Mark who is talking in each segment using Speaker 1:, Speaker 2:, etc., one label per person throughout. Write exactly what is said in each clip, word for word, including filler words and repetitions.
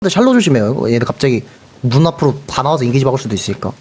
Speaker 1: 근데 샬로 조심해요. 얘들 갑자기 문 앞으로 다 나와서 인게이지 박을 수도 있으니까.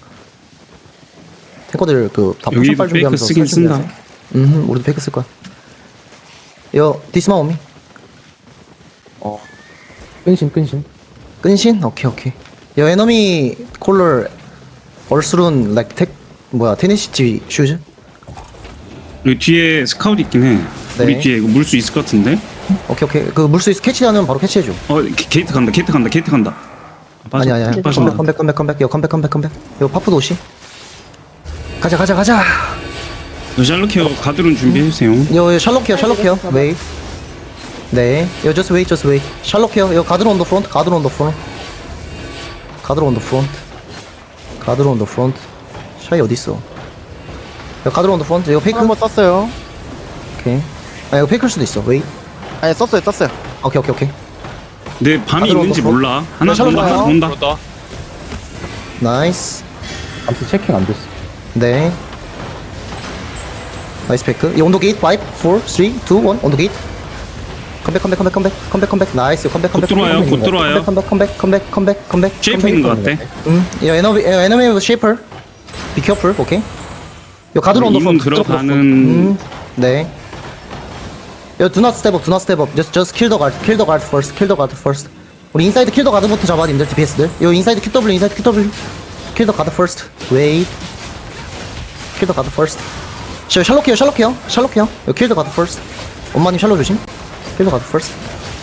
Speaker 1: 탱커들 그다
Speaker 2: 여기
Speaker 1: 포션 빨
Speaker 2: 페이크
Speaker 1: 준비하면서
Speaker 2: 쓰긴
Speaker 1: 살 준비하세요.
Speaker 2: 쓴다.
Speaker 1: 음, 우리도 페이크 쓸 거야. 여 디스마 오미.
Speaker 3: 어. 끈심 끈심.
Speaker 1: 끈신? 오케이 오케이. 여 에너미 콜러 얼스룬 like 텍 뭐야 테네시티 슈즈?
Speaker 2: 여기 뒤에 스카우트 있긴 해.
Speaker 1: 네.
Speaker 2: 우리 뒤에 이거 물 수 있을 것 같은데?
Speaker 1: 오케이 오케이. 그 물수에서 캐치하면 바로 캐치해줘.
Speaker 2: 어 게, 게이트 간다 게이트 간다 게이트 간다. 아, 빠져,
Speaker 1: 아니 아니 아니.
Speaker 2: 빠진다.
Speaker 1: 컴백 컴백 컴백 컴백. 여 컴백 컴백 컴백. 여 파프도 오시. 가자 가자 가자.
Speaker 2: 너 샬로케어 가드론 준비해주세요.
Speaker 1: 여, 여 샬롯케어 샬롯케어 웨이. 네. 여 just wait just wait. 샬롯케어 여 가드로 온더 프론트 가드로 온더 프론트. 가드로 온더 프론트. 가드로 온더 프론트. 샤이 어딨어? 여 가드로 온더 프론트. 이거 페이크?
Speaker 3: 한번 썼어요.
Speaker 1: 오케이. 아 이거 페이크일 수도 있어. 웨이.
Speaker 3: 아니 썼어요 썼어요.
Speaker 1: 오케이 오케이 오케이.
Speaker 2: 내 밤이
Speaker 1: 가드론
Speaker 2: 있는지
Speaker 1: 온더
Speaker 2: 몰라. 하나
Speaker 1: 샬롯
Speaker 2: 본다 하나
Speaker 1: 가요.
Speaker 2: 본다.
Speaker 4: 그렇다.
Speaker 1: 나이스.
Speaker 3: 아무튼 체킹 안 됐어.
Speaker 1: 네. 나이스 페이크. 이 온도 게이트 오, 사, 삼, 이, 일 온도 게이트. 컴백 컴백 컴백 컴백 컴백 컴백 나이스 컴백 컴백
Speaker 2: 곧 들어와요,
Speaker 1: 컴백,
Speaker 2: 곧
Speaker 1: 컴백,
Speaker 2: 들어와요.
Speaker 1: 컴백 컴백 컴백 컴백 컴백
Speaker 2: 쉐이프 있는 것 같아.
Speaker 1: 음, 야 에너미 에너미 쉐이퍼. 비 케어풀. 오케이. 요 가드로 온더
Speaker 2: 이문
Speaker 1: 프론트.
Speaker 2: 들어가는-
Speaker 1: 음, 네. 요 do not step up, do not step up. Just just kill the guard, kill the guard first, kill the guard first. 우리 인사이드 킬 더 가드부터 잡아 님들 디피에스들. 요 인사이드 큐더블유, 인사이드 큐더블유. kill the guard first. Wait. kill the guard first. 저 샬롯케어, 샬롯케어, 샬롯케어. 요 kill the guard first. 엄마님 샬롯 조심. kill the guard first.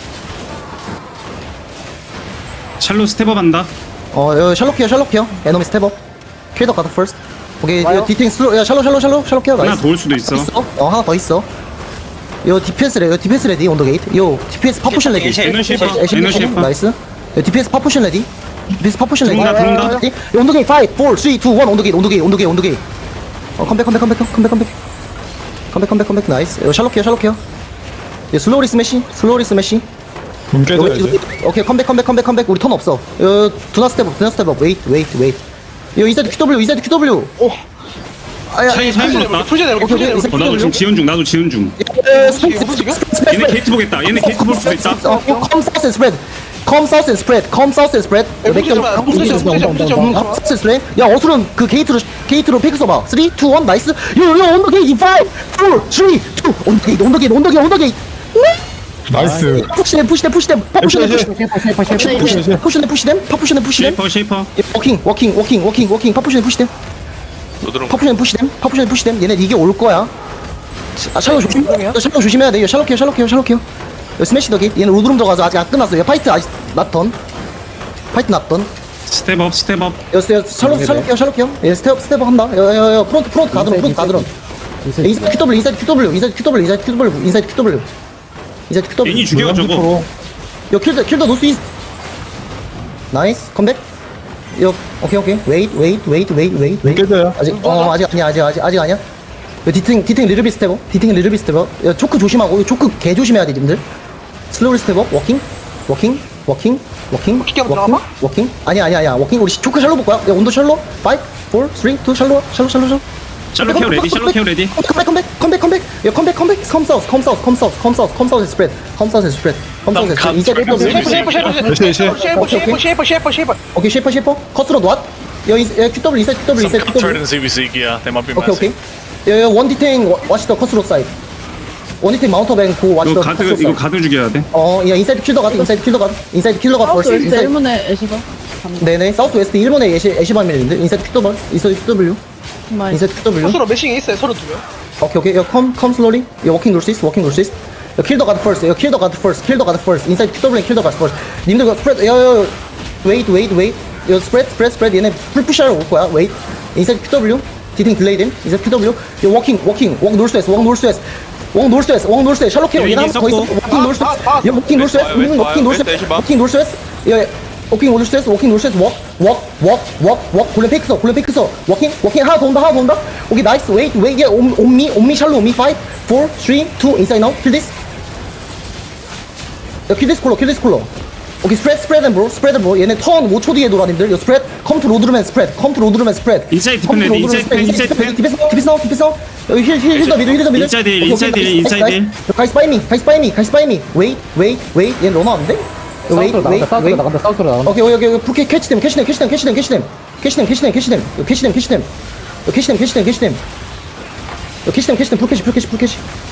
Speaker 2: 샬로 스텝업 한다.
Speaker 1: 어, 요 샬롯케어, 샬롯케어. 에너미 스텝업. kill the guard first. 오케이, 요 디팅 슬로, 야 샬롯, 샬롯, 샬롯, 샬롯케어.
Speaker 2: 하나
Speaker 1: 나이스.
Speaker 2: 더 올 수도 있어.
Speaker 1: 있어? 어, 하나 더 있어. 요 디펜스 레디, 요 디펜스 레디 온더 게이트. 요 디펜스 파포션 레디.
Speaker 2: 에너 쉐이퍼,
Speaker 1: 애쉬,
Speaker 2: 에너
Speaker 1: 애쉬,
Speaker 2: 쉐이퍼.
Speaker 1: 나이스. 요 디펜스 파포션 레디. 디펜스 파포션 레디.
Speaker 2: 들어온다, 들어온다.
Speaker 1: 요 온더 게이트 오, 사, 삼, 이, 일 온더 게이트, 온더 게이트, 온더 게이트, 온더 게이트. 어, 컴백, 컴백, 컴백, 컴백, 컴백. 컴백, 컴백, 컴백, 나이스. 요 샬롯케어, 샬롯케어. 요 슬로리 스매시, 슬로리 스매시.
Speaker 4: 깨져야지.
Speaker 1: 오케이, 컴백, 컴백, 컴백, 컴백. 우리 턴 없어. 요 두나 스텝업, 두나 스텝업. 웨이트, 웨이트, 웨이트. 요 인사이드 큐더블유, 인사이드 큐더블유.
Speaker 4: 오.
Speaker 1: 아야.
Speaker 2: 차이 차이 물었다.
Speaker 4: 풀제대로
Speaker 1: 오케이,
Speaker 4: 풀제대로.
Speaker 1: 오케이.
Speaker 2: 어 나도 지금 지연 중 나도 지연 중. 얘네 게이트 보겠다. 얘네 게이트 볼 수도 있다.
Speaker 1: 어, come south and spread. Come south and spread. Come south and spread.
Speaker 4: 야, 풀지 마, 풀지 마, 풀지 마, 풀지 마.
Speaker 1: Come south and spread. 야, 어수는 그 게이트로 게이트로 페이크 써봐. 삼, 이, 일, 나이스. 요, 요, 온더 게이트. 오, 사, 삼, 이, 이. 온더 게이트, 온더 게이트, 온더 게이트, 온더 게이트.
Speaker 4: 나이스.
Speaker 1: 푸시댐, 푸시댐, 푸시댐. 파푸시댐,
Speaker 4: 에이씨,
Speaker 1: 푸시댐. 푸시댐, 푸시댐, 푸시댐. 파푸시댐, 푸시댐.
Speaker 2: 쉐이퍼 쉐이퍼.
Speaker 1: 워킹, 워킹, 워킹, 워킹, 워킹. 파푸시댐, 푸시댐. 파푸시댐, 푸시댐. 파푸시댐, 푸시댐. 얘네 이게 올 거야. 아, 샬롯 조심. 너 샬롯 조심해야 돼. 샬롯 케어, 샬롯 케어, 샬롯 케어. 스매시 더 게이트. 얘는 로드룸 들어가서 아직 안 끝났어. 얘 파이트 아직 낫던. 파이트 낫던.
Speaker 2: 스텝업 스텝업.
Speaker 1: 여, 여, 샬롯, 샬롯 케어, 샬롯 케어. 얘 스텝, 스텝 한다. 여, 여, 여, 프론트, 프론트 가드론, 프론트 가드론. 인사이드 큐더블유, 인사이드 큐더블유, 인사이드 큐더블유, 인사이드 큐더블유, 인사이드 큐더블유. 인사이드 큐더블유.
Speaker 2: 괜히 죽여 저거.
Speaker 1: 여, 킬더, 킬더 노스 이스트. 나이스. 컴백. 여, 오케이, 오케이. 웨이트, 웨이트, 웨이트, 웨이트, 웨이트, 웨이트.
Speaker 4: 깨져요.
Speaker 1: 아직, 어, 아직 아니야, 아직, 아직, 아직 아니야. 여, 디팅, 디팅 리르비 스텝업. 디팅 리르비 스텝업. 여, 초크 조심하고, 여, 초크 개 조심해야 돼, 님들. 슬로리 스텝업. 워킹. 워킹. 워킹. 워킹.
Speaker 4: 키키 한번
Speaker 1: 워킹.
Speaker 4: 들어가봐?
Speaker 1: 워킹. 아니야, 아니야, 아니야. 워킹. 우리 초크 샬로 볼 거야. 야, 온도 샬로. 오, 사, 삼, 이, 샬로. 샬로, 샬로, 샬로.
Speaker 2: 샬로 케어 레디 샬로 케어 레디.
Speaker 1: 컴백 컴백 컴백 컴백 야 컴백 컴백 컴 사우스 컴 사우스 컴 사우스 컴 사우스 컴 사우스 스프레드 컴 사우스 스프레드 컴 사우스 스프레드 이제
Speaker 4: 쉐이퍼 쉐이퍼 쉐이퍼
Speaker 1: 오케이
Speaker 4: 쉐이퍼 쉐이퍼 쉐이퍼 쉐이퍼 쉐이퍼.
Speaker 1: 쉐이퍼 쉐이퍼 커스로 왓 야 큐더블 인사이드 큐더블
Speaker 5: Some
Speaker 1: 인사이드
Speaker 5: cut turret
Speaker 1: 큐더블
Speaker 5: in Z V C gear. They might be
Speaker 1: 오케이
Speaker 5: messy.
Speaker 1: 오케이 야원 디테인 와시 더 커스로 사이드 원 디테인 마운터 뱅고 와시
Speaker 2: 이거
Speaker 1: 더
Speaker 2: 가드
Speaker 1: 커스로
Speaker 2: 이거
Speaker 1: 사이드
Speaker 2: 가드 죽여야 돼.
Speaker 1: 어야 인사이드 킬더 가드 인사이드 킬더 가드 인사이드 킬더 가드
Speaker 6: 사우스
Speaker 1: 벌스
Speaker 6: 웨스트
Speaker 1: 인사이드
Speaker 6: 일본의 애쉬가
Speaker 1: 네네 사우스 웨스트 일본의 애쉬 애쉬밤이랬는데 인사이드 큐더블 인사이드 큐더블
Speaker 6: 정말
Speaker 1: 인사이드 큐더블
Speaker 4: 코스로 매싱이 있어요. 서로 두 명.
Speaker 1: 오케이 오케이 야 come come slowly 야 walking north east walking north east 야 kill the guard first 야 kill the guard first kill the guard first inside 큐 더블유 kill the guard first 님들 그 spread 야야야 wait wait wait 야 spread spread spread 얘네 풀 푸시하러 올 거야 wait inside 큐 더블유 디팅 딜레이 됨 inside 큐 더블유 야 walking walking walk north west walk north west walk north west walk north west 샬롯 케어 얘네 한번 더 있어 walking north west 야 walking north west 우리는 walking north west walking north west 야 워킹 놀스 웨스트 워킹 놀스 웨스트 워워워워워 골렘 페이크 써 골렘 페이크 써 워킹 워킹 하나 더 온다 하나 더 온다 오케이 나이스 웨이트 웨이트 온미 온미 샬로 온미 오, 사, 삼, 이 인사이드 나우 킬 디스 야 킬 디스 콜러 킬 디스 콜러 오케이 스프레드 스프레드 앤 브로 스프레드 브로 얘네 턴 오 초 뒤에 돌아 님들 요 스프레드 컴 투 로드루맨 스프레드 컴 투 로드루맨 스프레드
Speaker 2: 인사이드 디펜 레디 인사이드 디펜 인사이드 디펜.
Speaker 1: 디펜스 디펜스 나우 디펜스 나우 여기 힐힐힐더 미드 힐더 미드
Speaker 2: 인사이드 힐, 인사이드 힐, 인사이드 힐.
Speaker 1: 가이스 바이 미 가이스 바이 미 가이스 바이 미 웨이트 웨이트 웨이트 얘 러너 안 돼? 웨이
Speaker 3: 사우스로
Speaker 1: 웨이
Speaker 3: 나간다 사우스로
Speaker 1: 웨이
Speaker 3: 나간다 사우스로 나간다
Speaker 1: 오케이 오케이 오케이 풀 캐치됨 캐치됨 캐치됨 캐치됨 캐치됨 캐치됨 캐치됨 캐치됨 캐치됨 캐치됨 캐치됨 캐치됨 캐치됨 캐치됨 캐치됨 풀 캐치 풀 캐치 풀 캐치